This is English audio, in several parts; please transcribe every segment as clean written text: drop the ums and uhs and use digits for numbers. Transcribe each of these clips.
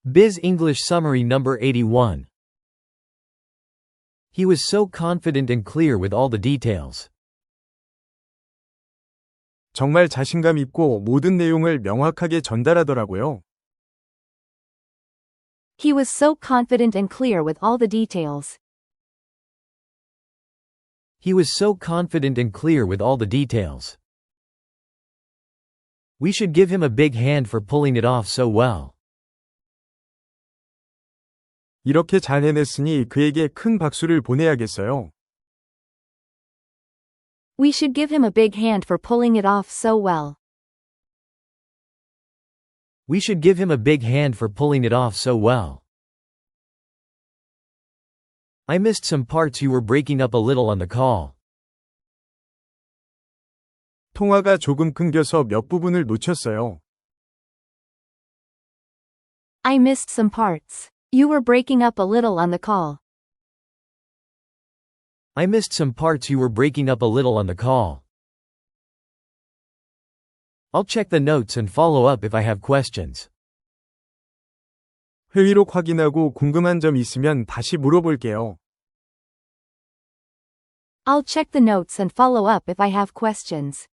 Biz English Summary Number 81. He was so confident and clear with all the details. 정말 자신감 있고 모든 내용을 명확하게 전달하더라고요. He was so confident and clear with all the details. He was so confident and clear with all the details. We should give him a big hand for pulling it off so well. 이렇게 잘 해냈으니 그에게 큰 박수를 보내야겠어요. We should give him a big hand for pulling it off so well. We should give him a big hand for pulling it off so well. I missed some parts you were breaking up a little on the call. 통화가 조금 끊겨서 몇 부분을 놓쳤어요. I missed some parts. You were breaking up a little on the call. I missed some parts you were breaking up a little on the call. I'll check the notes and follow up if I have questions. 회의록 확인하고 궁금한 점 있으면 다시 물어볼게요. I'll check the notes and follow up if I have questions.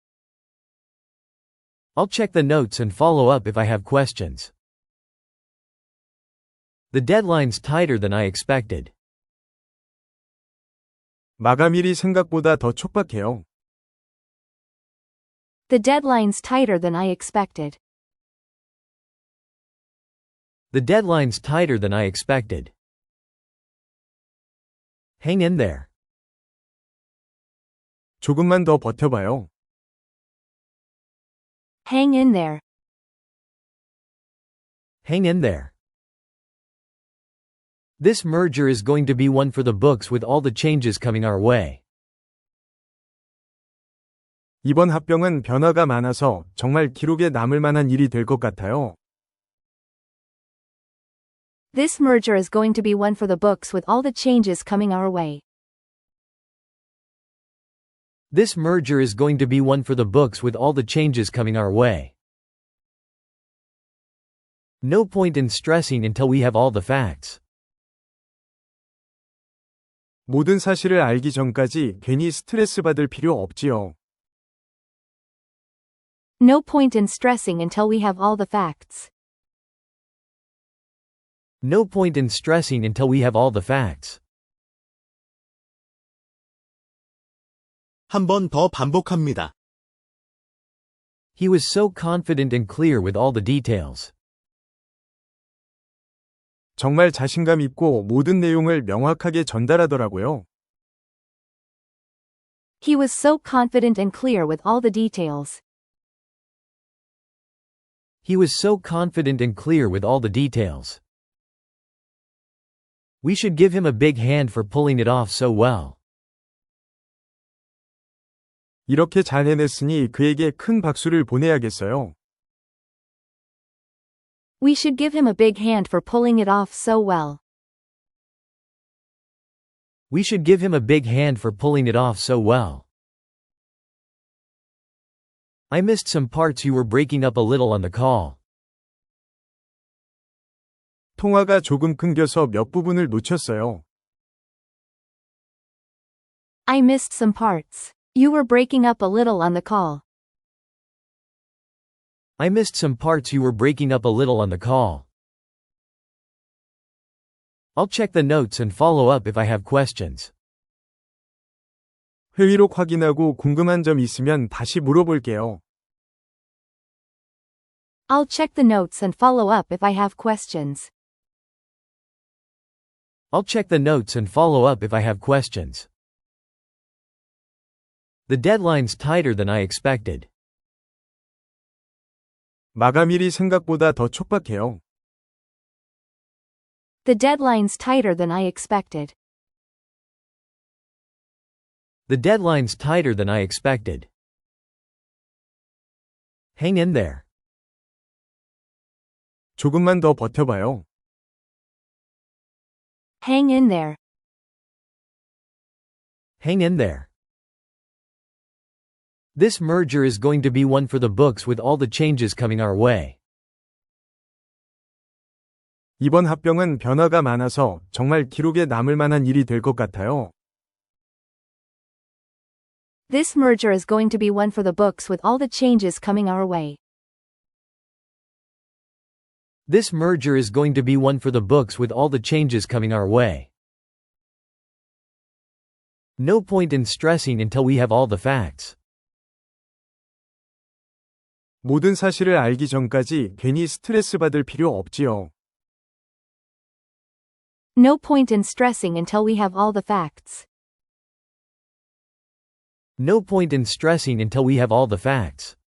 I'll check the notes and follow up if I have questions. The deadline's tighter than I expected. 마감일이 생각보다 더 촉박해요. The deadline's tighter than I expected. The deadline's tighter than I expected. Hang in there. 조금만 더 버텨봐요. Hang in there. Hang in there. This merger is going to be one for the books with all the changes coming our way. 이번 합병은 변화가 많아서 정말 기록에 남을 만한 일이 될 것 같아요. This merger is going to be one for the books with all the changes coming our way. This merger is going to be one for the books with all the changes coming our way. No point in stressing until we have all the facts. 모든 사실을 알기 전까지 괜히 스트레스 받을 필요 없지요. No point in stressing until we have all the facts. No point in stressing until we have all the facts. 한 번 더 반복합니다. He was so confident and clear with all the details. 정말 자신감 있고 모든 내용을 명확하게 전달하더라고요. He was so confident and clear with all the details. He was so confident and clear with all the details. We should give him a big hand for pulling it off so well. 이렇게 잘 해냈으니 그에게 큰 박수를 보내야겠어요. We should give him a big hand for pulling it off so well. We should give him a big hand for pulling it off so well. I missed some parts you were breaking up a little on the call. 통화가 조금 끊겨서 몇 부분을 놓쳤어요. I missed some parts. You were breaking up a little on the call. I missed some parts you were breaking up a little on the call. I'll check the notes and follow up if I have questions. 회의록 확인하고 궁금한 점 있으면 다시 물어볼게요. I'll check the notes and follow up if I have questions. I'll check the notes and follow up if I have questions. The deadline's tighter than I expected. 마감일이 생각보다 더 촉박해요. The deadline's tighter than I expected. The deadline's tighter than I expected. Hang in there. 조금만 더 버텨봐요. Hang in there. Hang in there. This merger is going to be one for the books with all the changes coming our way. 이번 합병은 변화가 많아서 정말 기록에 남을 만한 일이 될 것 같아요. This merger is going to be one for the books with all the changes coming our way. This merger is going to be one for the books with all the changes coming our way. No point in stressing until we have all the facts. 모든 사실을 알기 전까지 괜히 스트레스 받을 필요 없지요. No point in stressing until we have all the facts. No point in stressing until we have all the facts.